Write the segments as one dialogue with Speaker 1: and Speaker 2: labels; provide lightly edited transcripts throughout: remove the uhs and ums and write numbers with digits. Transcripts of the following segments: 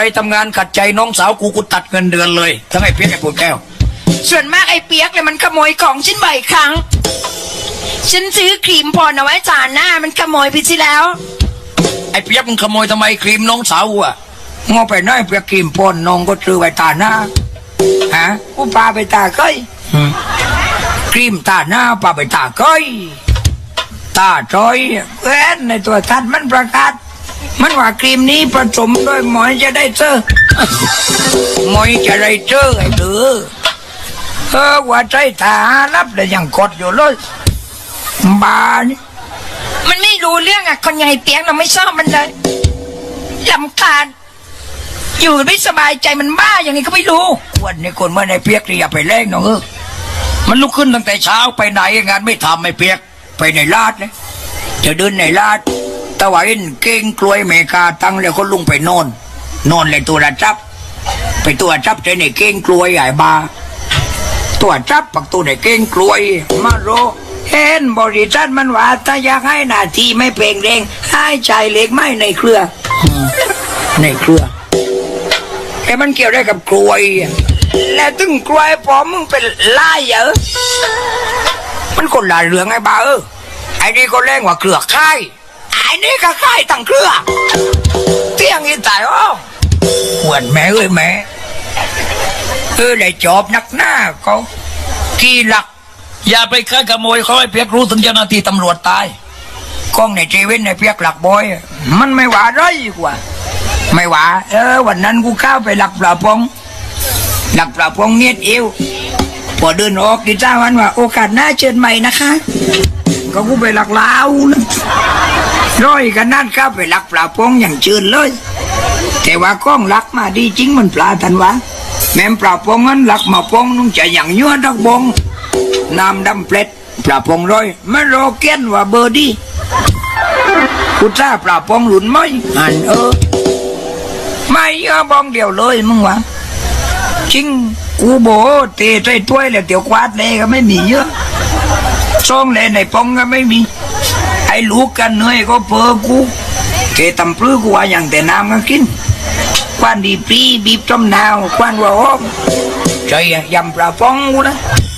Speaker 1: ไปทำงานขัดใจน้องสาวกูตัดเงินเดือนเลยทั้งไอ้เปียกไอ้ปูนแก้ว
Speaker 2: ส่วนมากไอ้เปียกเลยมันขโมยของฉันบ่อยครั้งฉันซื้อครีมพรเอาไว้จานหน้ามันขโมยไปที่แล้ว
Speaker 1: ไอ้เปียกมึงขโมยทำไมครีมน้องสาวอ่ะงอไปน้อยเปียกครีมพ่นน้องก็ซื้อไว้ตาหน้าฮะกูพาไปตาก้อยครีมตาหน้าพาไปตาก้อยตาจอยเว้นในตัวทัดมันประกาศมันว่าครีมนี้ผสมด้วยหมอยจะได้เจอหมอยจะได้เจอไอ้เด้อว่าใจตารับแต่ยังกดอยู่เลยบาน
Speaker 2: มันไม่รู้เรื่องอ่ะคนใหญ่เปียกเราไม่ชอบมันเลยลำคาญอยู่ไม่สบายใจมันบ้าอย่างนี้ก็ไม่รู้
Speaker 1: วันนี้คนเมื่อในเปียกนี่อย่าไปเล่นน้องมันลุกขึ้นตั้งแต่เช้าไปไหนงานไม่ทำไม่เปียกไปในลาดเลยจะเดินในลาดตะวันเก่งกลวยเมกาตั้งแล้วก็ลุงไปนอนเลยตัวระจับไปตัวจับใจในเก่งกลวยใหญ่บาตัวจับปักตัวในเก่งกลวยมาโรเห็นบริษัทมันว่าถ้าอยากให้หน้าที่ไม่เปล่งเร่งให้ใจเล็กไม่ในเครือในเครือไอ้มันเกี่ยวได้กับกลวยแล้วตึงกลวยพอมึงเป็นล่าเยอะมันคนละเรื่องไอ้บ้าไอ้นี่ก็แรงกว่าเครือค่ายไอ้นี่ก็ค่ายตั้งเครือเที่ยงอีตายอ้อหวนแม่เอ้ยแม่ได้จอบนักหน้าเขาที่หลักอย่าไปฆ่าขโมยเขาให้เพียกรู้ถึงเจ้าหน้าที่ตำรวจตายกล้องในเจเว่นในเพียกหลักบอยมันไม่หวาไรกว่าไม่หวาวันนั้นกูเข้าไปหลักปลาพงเนียดเอวพอเดินออกกิจ้าวันว่าโอกาสหน้าเชิญใหม่นะคะก็กูไปหลักลาวนะร้อยกันนั่นเข้าไปหลักปลาพงอย่างเชิญเลยแต่ว่ากล้องหลักมาดีจริงมันปลาทันวะแม่ปลาพงนั้นหลักมาพงนุ่งจะอย่างยั่วดักบงน้ำดำเปล็ดปลาพงร้อยไม่รอเกี้ยนว่าเบอร์ดีกูจ้าปลาพงหลุนไหมอันไม่บองเดียวเลยมึงวะจริงกูโบเตะใจถ้วยแล้วเตี๋ยวควาดเลยก็ไม่มีเยอะซ่องเลยในปองก็ไม่มีไอ้ลูกกันเหนื่อยก็เพอกูเกตำปลื้อกูว่าอย่างแต่น้ำก็กินควันดีปรีบีบจมนาวควันว่าอ้อมใจยำปลาฟองกูนะ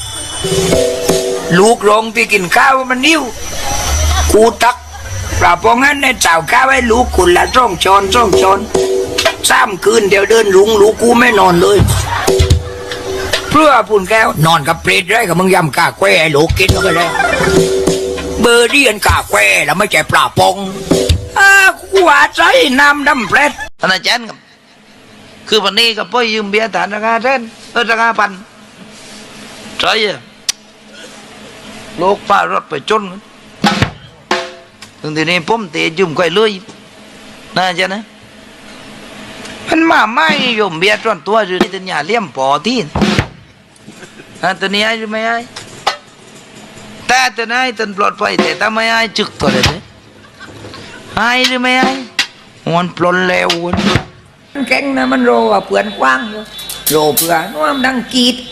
Speaker 1: ลูกโรงที่กินข้าวมันนิ้วกูตักปลาฟองนั้นในเจ้าข้าวให้ลูกคุณละจ้องชอน3 คืนเดี๋ยวเดินลุงลูกกูไม่นอนเลยเพื่อปุ่นแก้วนอนกับเปรตได้กับมึงยำกาแควไอ้ลูกกินก็ไปแล้วเบอร์ดี้อันกาแควแล้วไม่ใช่ปลาปองกูว่าใจน้ำดำเปรต
Speaker 3: ท่านอาจารย์ครับคือวันนี้ก็พ่อยืมเบียร์ฐานราคาเท่นราคาพันใช่โลกป้ารถไปจนถึงทีนี้ผมเตะยืมก่อยเลยน่าจะนะมันมาไม่ยมเบียร์จนตัวหรือที่ตัญญาเลี่ยมปอที่ตัวนี้ไอ้หรือไม่ไอ้แต่ตัวนี้ตันปลอดภัยแต่ถ้าไม่ไอ้จึกตัวเลยไอ้หรือไม่ไอ้มันปลนแล้ว
Speaker 1: แข็งนะมันโรว่าเปลือนกว้างโรเปลือนว่ามันดังกีด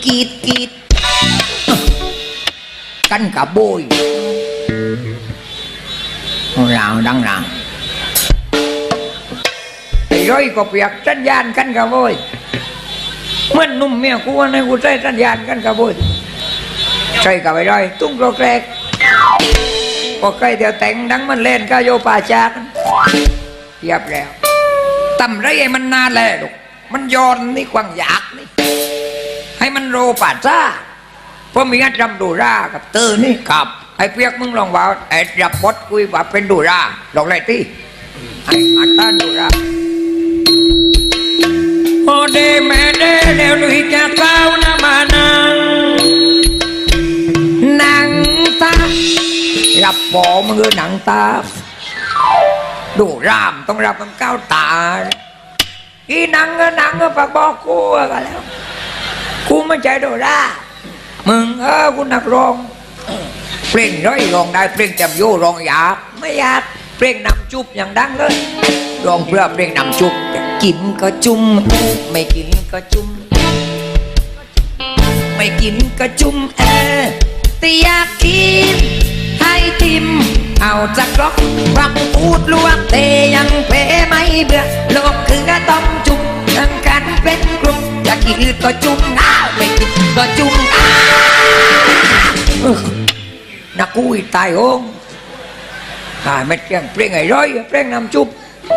Speaker 1: กันกับโบยเราดังเราไอ้ร้อยก็เปียกสัญญาณกันกับโบยเมื่อนุ่มเมียกูว่าในกูใช้สัญญาณกันกับโบยใช่กับไอ้ร้อยตุ้งโกรกแรกพอใกล้เดี๋ยวแต่งดังมันเล่นก็โยป่าจากเรียบแล้วตำไรไอ้มันนานแล้วลูกมันย้อนนี่กวางอยากนี่ให้มันโรป่าจ้าเพราะมีอัดรำดูรากับเตอร์นี่กับไอ้เปียกมึงลองว่าไอ้รับบดคุยว่าเป็นดูราลองเลยที่ไอ้อัตตาดูราโอเดแม่เดเดี๋ยวลุยจะเต้านะมานังตารับปอมือหนังตาดูรามต้องรับมันก้าวตาอีนังก็ฝากบอกกูกันแล้วกูไม่ใจดูรามึงกูนักร้องเพลงร้อยร้องได้เพลงจำโยร้องอยากไม่อยากเพลงนำจุบอย่างดังเลยร้องเพื่อเพลงนำจุบกินก็จุ่มไม่กินก็จุ่มไม่กินก็จุ่มแต่อยากกินให้ทิมเอาจากล็อกรักพูดลวงเตยังเพไม่เบื่อโลกคือก็ต้องจุ่ม
Speaker 2: กินก็จุ่มไม่กินก็จุ่ม
Speaker 1: นักกู้อีตายโองไม่เปลี่ยงเปลี่ยงไอ้ร้อยเปลี่ยงน้ำจุบ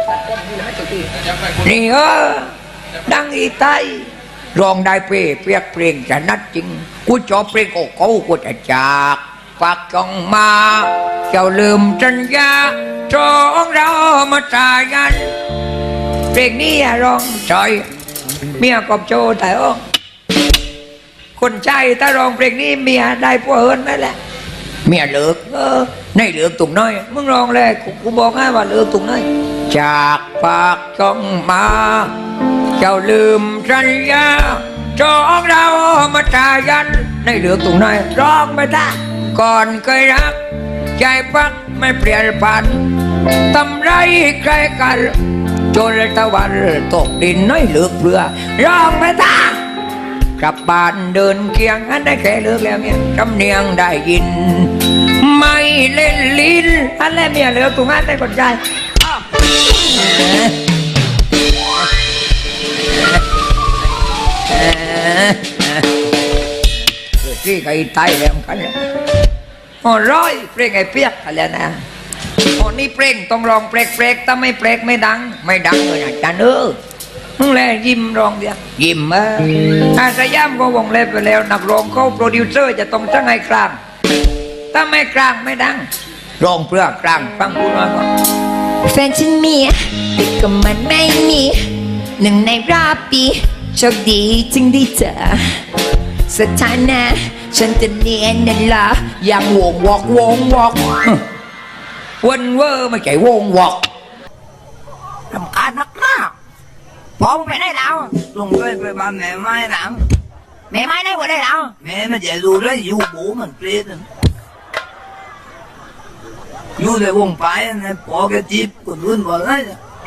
Speaker 1: นี่ดังอีตายรองได้เปียกเปลี่ยงจะนัดจริงกูจอบเปลี่ยงโอ้เขากูจะจากปากจองมาเจ้าลืมสัญญาจองเรามาตายกันเพลงนี้ร้องจอยเมียกอบโจแต่โอ้คนใจถ้าร้องเพลงนี้เมียได้พวกเฮิร์นไหมแหละเมียเลิกในเลือกตุ่มน้อยมึงร้องเลยกูบอกให้ว่าเลือกตุ่มน้อยจากปากจ้องมาเจ้าลืมสัญญาจองเรามาตายกันในเลือกตุ่มน้อยร้องไปท่าก่อนเคยรักใจพักไม่เปลี่ยนผันทำไรใครกันจนตะวันตกดินน้อยเลือกเพื่อร้องไปท่ากลับบ้านเดินเคียงอันได้แค่เลือกแล้วเนี่ยจำเนียงได้ยินไม่เล่นลิ้นอันแล้วเมียเลือกตุ่มอันได้กดใจที่ใครตายแล้วกันร้อยเปล่งไอ้เปียกอะไรนะนี่เปล่งต้องลองเปลกถ้าไม่เปลกไม่ดังเลยนะจันมึงแลยิ้มร้องเดียวยิ้มสยามก็วงเล็บไปแล้วนักร้องเขาโปรดิวเซอร์จะต้องจ้างให้กลางถ้าไม่กลางไม่ดังร้องเพื่อกลางฟังกูน้อยก่อน
Speaker 2: แฟนฉันมีแต่ก็มันไม่มีหนึ่งในรอบปีโชคดีจึงได้เจอสถานะฉันจะเนียนนั่นละ
Speaker 1: ยังวงวอกวันเวอร์ไม่ใช่วงวอก
Speaker 2: รำคาญนักหน้าพอมึงไปได้แล้ว
Speaker 3: ลงด้วยไปบ้านแม่ไม้หนัง
Speaker 2: แม่ไม้ได้หมดได้แล้ว
Speaker 3: แม่ไม่จะดูเลยอยู่บูมันเปลี่ยนอยู่ในวงไปนะพอแกจีบคนอื่นบอกเลย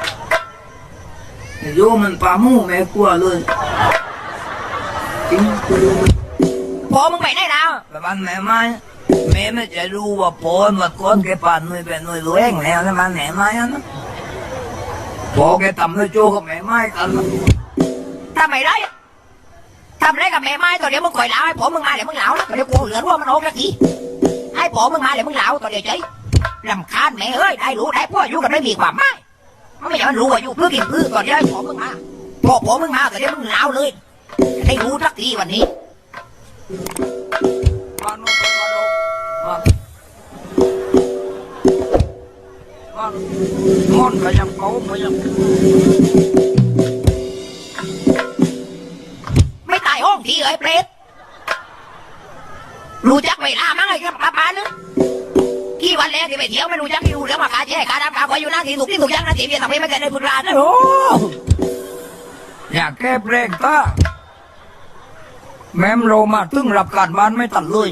Speaker 3: อยู่มันปามู่แม่กลัวเลยจริง
Speaker 2: พอมึงไปได้แล้ว
Speaker 3: ไปบ้านแม่ไม้แม่ไม่จะรู้ว่าพอมาก้อนแกป่านหน่วยเป็นหน่วยรวยแล้วนะบ้านแม่ไม้นะพอแกทำด้วยโจ้กับแม่ไม้กัน
Speaker 2: ทำไมได้ทำไรกับแม่ไม้ตัวเดียวมึงคอยเล่าให้ผมมึงมาเดี๋ยวมึงเล่าตัวเดี๋ยวกูเหลือว่ามันโอเคกี่ให้ผมมึงมาเดี๋ยวมึงเล่าตัวเดียวใจรำคาญแม่เอ้ยได้รู้ได้พวกอยู่กันไม่มีความหมายมันไม่ใช่มันรู้ว่าอยู่เพื่อกินเพื่อตัวเดียวให้ผมมึงมาพอผมมึงมาตัวเดียวมึงเล่าเลยให้รู้สักทีวันนี้
Speaker 3: มอนก็ยังเขาไม่ยัง
Speaker 2: ไม่ตายห้องทีเอ้ยเปรตรู้จักเวลามั้งไอ้กับป้านึกกี่วันแล้วที่ไปเที่ยวไม่รู้จักที่รู้เรื่องมาขาแช่ขาดำขาควายอยู่หน้าที่ถูกยังนะที่เบียร์ทำให้ไม่เกิดในพุทธราชนะโอ้
Speaker 3: อยากแก้เปลงตาแม่มโรมาตึ้งรับการบ้านไม่ตัดเลย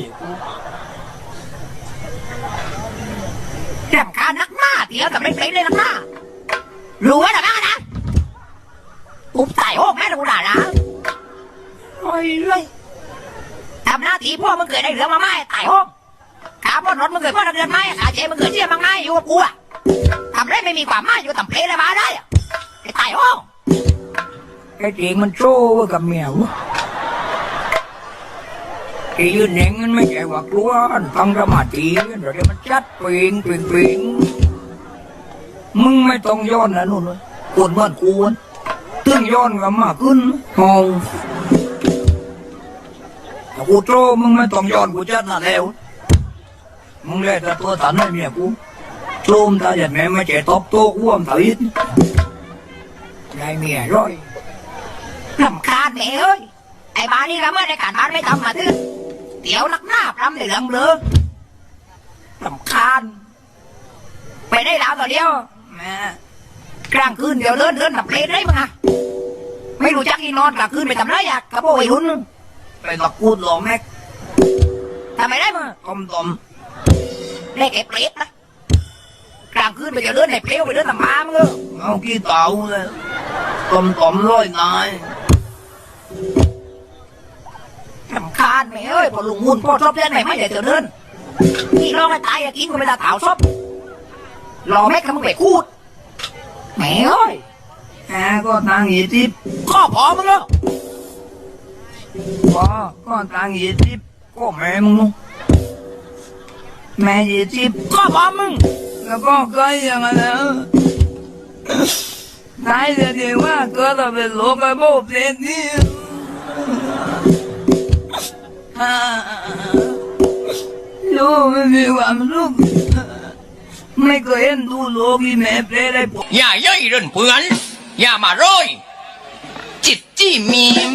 Speaker 2: รำคาญนักหน้าเดี๋ยวกับไม่เป็นเลยนักหน้ารู้ไว้หรือไม่นะปุ๊บตายโอ้แม่กูด่านะ
Speaker 3: ไอ้เลย
Speaker 2: ทำหน้าที่พ่อมึงเกิดได้เหลือมาไม่ตายโอ้ขาพ่อรถมึงเกิดพ่อเดือนไม่ขาเจมึงเกิดเชี่ยมังไม่อยู่กับกูอะทำได้ไม่มีความหมายอยู่ต่ำเพลอะไรมาได้ไอ้ตายโอ้
Speaker 3: ไอ้เด็กมันโซ่กับเมียวไอ้ยืนเน่งมันไม่ใช่ว่ากลัวฟังสมาธิเดี๋ยวมันจัดปิงมึงไม่ต้องย้อนนะนู่นเลยกวนบ้านกวนตึ้งย้อนกับมาขึ้นมองกูโตมึงไม่ต้องย้อนกูจัดน่ะแล้วมึงเลยแต่ตัวตันให้เมียกูโจมตาอย่างแม่ไม่ใช่ตบโต๊ะอ้วมถีดได้เมียร้อย
Speaker 2: รำคาญแม่เอ้ยไอ้บ้านนี่ละเมื่อในการบ้านไม่ทำมาทึ่เดี๋ยวนักหน้าพรำในเรื่องเบลอรำคาญไปได้แล้วตัวเดียว
Speaker 3: แม่
Speaker 2: กลางคืนเดี๋ยวเดินแบบเพลนได้มั้งอะไม่รู้จักที่นอนกลางคืนไปทำไรอะกระโปรงไอ้หุ่น
Speaker 3: ไปตะกูดหล่อแม็ก
Speaker 2: ทำไมได้มั้ง
Speaker 3: ต้ม
Speaker 2: ได้แก่เปรตนะกลางคืนไปเดี๋ยวเดินในเพลวไปเดินตามบ้ามึง
Speaker 3: เอาขี้เต่าเลยต้มร้อยนาย
Speaker 2: รำคาญแม่เอ้ยพอลุงมุนพ่อชอบเล่นไหนไม่ได้เดี๋ยวเดินนี่ร้องให้ตายกินก็ไม่ได้เต่าชอบรอแม็กมึงไปคูดแม่เอ้ย
Speaker 3: ก็นางอีทิพ
Speaker 2: ข้อพอมึงแล้ว
Speaker 1: ว่าก็ตัง20ก็แม่มึงนู่นแม่20ก็พ่อมึงแล้วก็เคยอย่างนั้นนะตายเดี๋ยวว่าเกิดมาเป็นโลกไอ้โบเปลี่ยนนี่ลูกไม่มีความสุขไม่เคยเห็นดูโลกที่แม่เปลี่ยนได้ผมอย่าย่อยเรื่องเพื่อนอย่ามาโรยจิตจี้มีม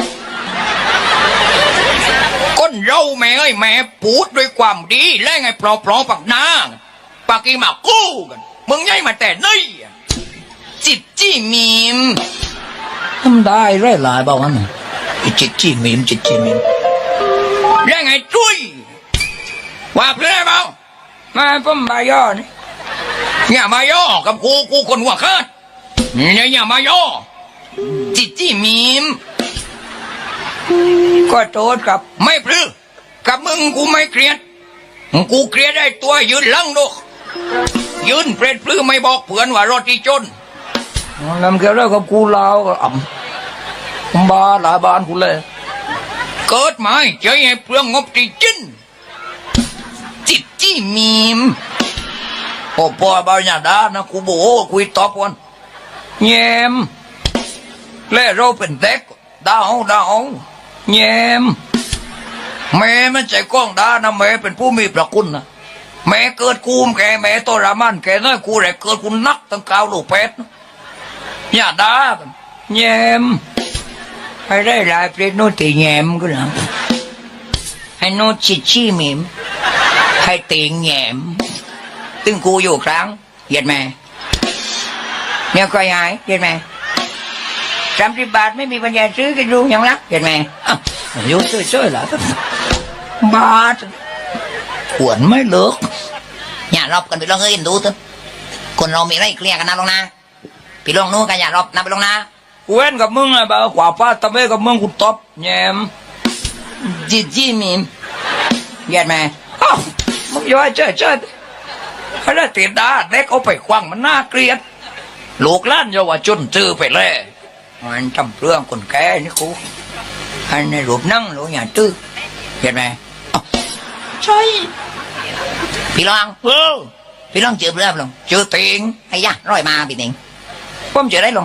Speaker 1: ก้นเราแม่เอ้ยแม่พูดด้วยความดีและไงปลอปักหน้าปากกีมากู้กันมึงย้ายมาแต่นี่จิตจี้มีมทำได้ไร้หลายบ้างนะจิตจี้มีมจิตจี้มีมและไงจุ้ยว่าเพื่อนเปล่ามาผมมาย่อนี่อย่ามาย่อกับกูคนหัวขาดเนี่ยอย่ามาย่อจิตจี้มีมก็โทษกับไม่พลือกับมึงกูไม่เกลียดกูเกลียดได้ตัวยืนลังดูยืนเปรตพลือไม่บอกเพื่อนว่ารถที่จนนำแกแล้วกับกูลาวก็บ้าหลายบ้านกูเลยเกิดมาใจให้เปลืองงบที่จินจิตจี้มีมโอ้พ่อบาญาดานะกูโบคุยตอบวันแยมเล่เราเป็นเด็กดาวแยมแม่มันใจกล้องดานะแม่เป็นผู้มีประคุณนะแม่เกิดกูมแกแม่ตัวรามันแกน้อยกูแหละเกิดกูนักตั้งกาวลูกเป็ดญาดาแยมให้ได้หลายเปรตโนตีแยมก็นะให้โนชิชี่มิมให้ตีแยมตึงกูอยู่ครั้งเหยียดแม่เนี่ยก็ยายเหยียดแม่30 บาทไม่มีปัญญาซื้อกินดูอย่างรักเหยียดแม่อยู่ช่วยๆเหรอบาทขวนไม่เลิกอย่ารอบกันไปลองเอ้ยดูเถอะคนเรามีอะไรเคลียร์กันนะลงนะพี่ลองนู้นกันอย่ารอบนะไปลงนะกูเว้นกับมึงอะบ่าวขวาป้าตะเวกับมึงกูตบแยมจิจี้มีมเหยียดแม่มึงย่อยเชิดถ้าได้ติดดาเด็กเอาไปควังมันน่าเกลียดลูกล้านเยาวชนซื้อไปเลยมันทำเรื่องคนแก่นี่กูอันในรูปนั่งหรืออย่าตื้อเห็นไหมใช่พี่ลองพี่ลองเจอเรื่องลงเจอติงไอ้ยะร้อยมาพี่ติงผมเจอได้ลง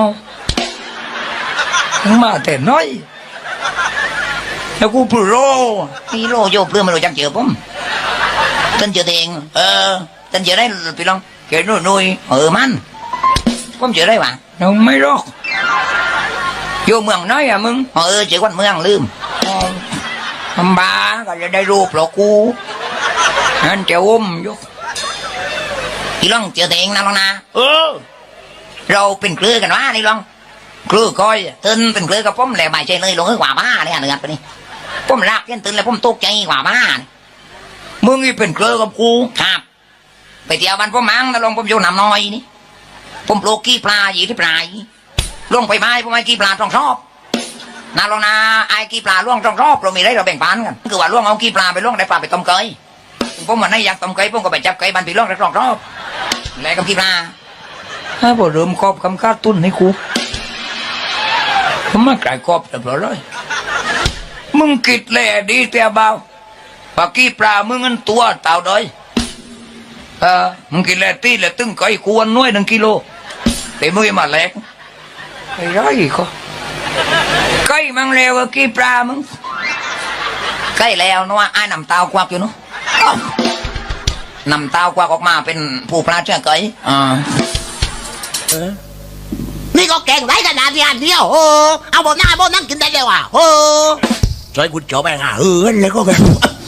Speaker 1: มาแต่น้อยแล้วกูปลุกโลพี่โลโยบเรื่องมาโดนจังเจอผมtân chưa tiền tân chưa đấyพี่long kể nuôi man không chưa đấy bạn không mấy đó vô mường nói à mưng chỉ quanh mường lưm ba gọi là đây ruột lọ cu anh chèo vôพี่long chưa tiền nào na rồiเป็นเครือกันวะนี่ลองเครือก้อยตื่นเป็นเครือกับผมแหล่ใบใจเลยลงให้กว่าบ้าเนี่ยหนึ่งไปนี่ผมรักยันตื่นแล้วผมตกใจกว่าบ้ามึงนี่เป็นเครือกับกูครับไปเที่ยวบ้านพ่อมังแล้วลงผมอยู่น้ำน้อยนี่ผมปลูกกี้ปลาอยู่ที่ปลายล่วงไปไม้ผมไอ้กี้ปลาต้องชอบนาลงนาไอ้กี้ปลาล่วงต้องชอบเรามีอะไรเราแบ่งปันกันคือว่าล่วงเอากี้ปลาไปล่วงได้ปลาไปต้มเกยผมวันนี้อยากต้มเกยผมก็ไปจับเกยบ้านพี่ล่วงได้ต้องชอบแล้วกับกี้ปลาถ้าผมเริ่มครอบคำคาดตุ้นให้กูผมไม่กลายครอบแต่เพราะอะไรมึงกิดแหล่ดีเตียเบาปากกี้ปลามึงเงินตัวเต่าด้อยมึงกินแหล่ตีแหล่ตึ้งไก่ควรน้อย1 กิโลแต่มึงมาแหลกไอ้ร้อยก็ไก่มังเลวกี้ปลามึงไก่แล้วนัวไอ้นำเตากวักอยู่เนาะนำเตากวักออกมาเป็นผู้ปลาเชื่อไก่
Speaker 2: นี่ก็แกงไรกันนะที่อันเดียวโอ้เอาบนหน้าบนนั่งกินได้เลยว่ะโอ้ใช่คุณจบไปหาแล้วก็แบบ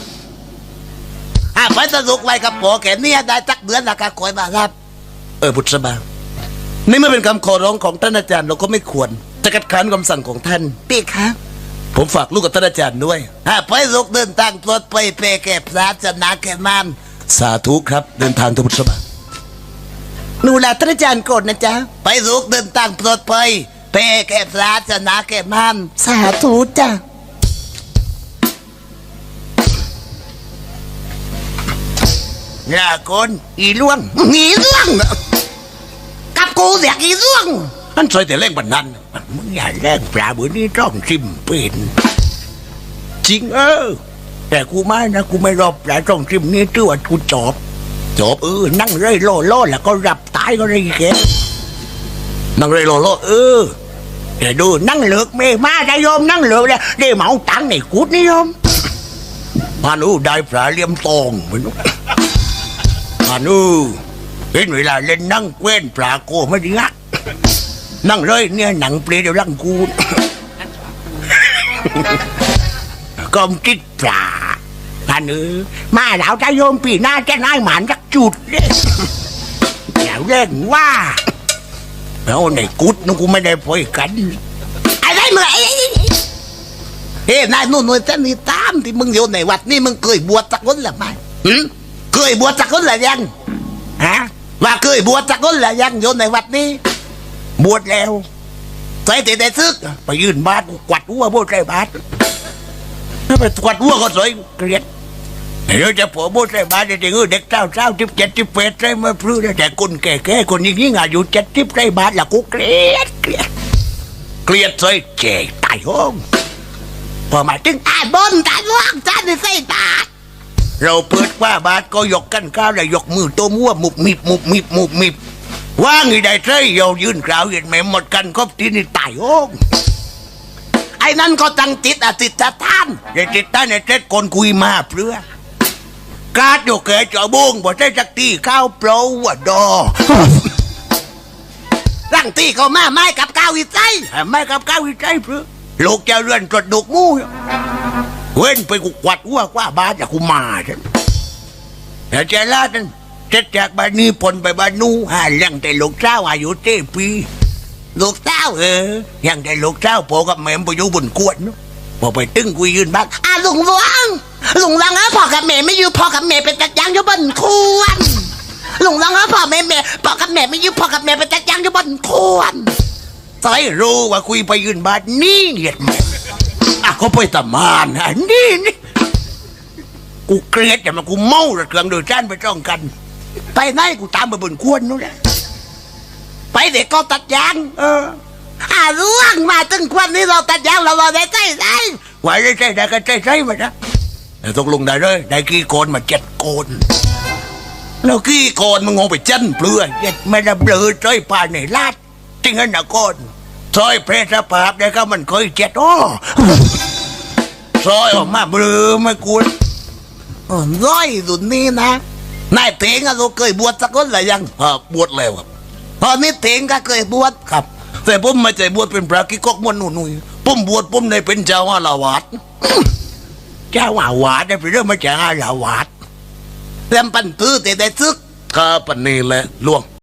Speaker 2: ไปสนุกไว้กับผัวแกเนี่ยได้จักเดือนละก็คอยมาครับ
Speaker 4: พุทธบานี่ไม่เป็นคำขอร้องของท่านอาจารย์เราก็ไม่ควรจะคัดค้านคำสั่งของท่าน
Speaker 2: พี่ครับ
Speaker 4: ผมฝากลูกกับท่านอาจารย์ด้วย
Speaker 2: ไปลูกเดินทางปลอดภัยเปแก่พระจะนาแก่มัน
Speaker 4: สาธุครับเดินทางทุกพุทธบา
Speaker 2: หนูลาท่านอาจารย์กดนะจ๊ะไปลูกเดินทางปลอดภัยเปแก่พระจะนาแก่มันสาธุจ้ะ
Speaker 4: อย่าคนอีล่วง
Speaker 2: กับกูเสียอีล่วง
Speaker 4: นั่นซอยแต่เล่งบันนั้นมึงอย่าแรงปลาบุญนี่ต้องชิมเป็นจริง
Speaker 1: แต่กูไม่นะกูไม่รอบหลายตรงทิมนี้ตื้อว่ากูจอบนั่งเร่ยโล่แล้วก็รับตายก็เลยแก
Speaker 4: นั่งเลยรอ
Speaker 1: เดี๋ยวดูนั่งเหลือกเมมาได้โยมนั่งเหลือกเลยได้เหมาตังค์ในกูดนี่โยม
Speaker 4: พานุได้ปลาเลี่ยมตองเหมือนพานุเป็นเวลาเล่นนั่งเว้นปลาโกไม่ดีอะนั่งเลยเนี่ยหนังเปลี่ยนเดี๋ยวร่างกู
Speaker 1: กอมติดปลาพันมาแล้วจะโยมปีหน้าจะนายหมานจักจุดเลยอย่าเล่นว่า
Speaker 4: แล้วในกุดนึกกูไม่ได้พอยกัน
Speaker 1: อะไรมึง
Speaker 4: นายนู่นเส้นนี่ตามที่มึงอยู่ในวัดนี่มึงเคยบวชสักคนหรือไม่เคยบวชสักคนหรือยัง
Speaker 1: ฮะ
Speaker 4: ว่าเคยบวชสักคนหรือยังอยู่ในวัดนี้
Speaker 1: บวชแล้ว
Speaker 4: ใส่แต่ซึกไปยืนบาทกวัดหัวโบใส่บาทถ้าไปกวัดหัวก็สวยเกลียดเดี๋ยวจะผัวโบใส่บาทเด็กเด็กเจ้า17 18ใส่มาพลื้อแต่คนแก่คนยิ่งอายุ70ใส่บาทละกูเกลียดใส่เจ๋ตายห้องพอมาถึง
Speaker 1: บนตาล่างตาในใส่บาท
Speaker 4: เราเปิดว่าบาทก็ยกกันก้าวแล้วยกมือตัวมั่วมุบมิบว่างอีได้ใช่เรายืนกล่าวเห็นไหมหมดกันครบที่นี่ตายโอ้ไอ้นั่นก็ตั้งจิตอธิษฐานเด็ดจิตท่านเด็ดคนคุยมาเพื่อกาดโยเกจอบงบ่ใช่จักตีข้าวเปล่าว่าดอ
Speaker 1: ร่างตีเขามาไม้กับก้าววิจัย
Speaker 4: ไม่กับก้าววิจัยเพื่อลูกจะเรือนตรวจดุกมู่เว้นไปกูกวัดหัวกว่าบาทจากกูมาฉันแต่เจล่าฉันเจ็ดจากบ้านนี้ปนไปบ้านนู้เลี้ยงแต่ลูกเจ้าอายุ7 ปีลูกเจ้ายังแต่ลูกเจ้าพ่อกับแม่ไปอยู่บนกวนพอไปตึ้งกูยืนบ้าน
Speaker 1: ลุงวังพ่อกับแม่ไม่อยู่พ่อกับแม่เป็นตัดยางอยู่บนควนลุงวังพ่อกับแม่ไม่อยู่พ่อกับแม่เป็นตัดยางอยู่บนควน
Speaker 4: ใส่รู้ว่าคุยไปยืนบ้านนี่เหยียดแม่เขาไปตะมานนี่กูเกลียดแต่มากูเมาระเครื่องโดยจ้านไปจ้องกันไปไหนกูตามไปบนควนนู้นแหละไปเด็กก็ตัดยาง
Speaker 1: ล่วงมาตึงควันนี้เราตัดยางเราได้ใจ
Speaker 4: ไหวได้ใจได้ก็ใจมาจ้ะแต่ตกลงได้เลยได้กี่โกนมา7 โกนแล้วกี่โกนมึงงงไปจันเปลือยไม่ได้เปลือยใจป่าในลาดจริงๆนะโกนซอยเพรสภาพได้ก็มันเคยซอยออกมาเบลอไม่กู
Speaker 1: ร้อยสุดนี้นะ
Speaker 4: นายเถงเราเคยบวชสักคนหรือยังบวชแล้วครับ
Speaker 1: ตอนนี้เถงก็เคยบวช
Speaker 4: ครับแต่ผมไม่ใจบวชเป็นพระกิกกมวนหนุ่ยผมบวชผมได้เป็นเจ้าอาวาสได้เป็นเรื่องมาจากอาวาส
Speaker 1: เริ่มปั่นตื้อแต่ซึก
Speaker 4: ก็ปันนี้แหละล่วง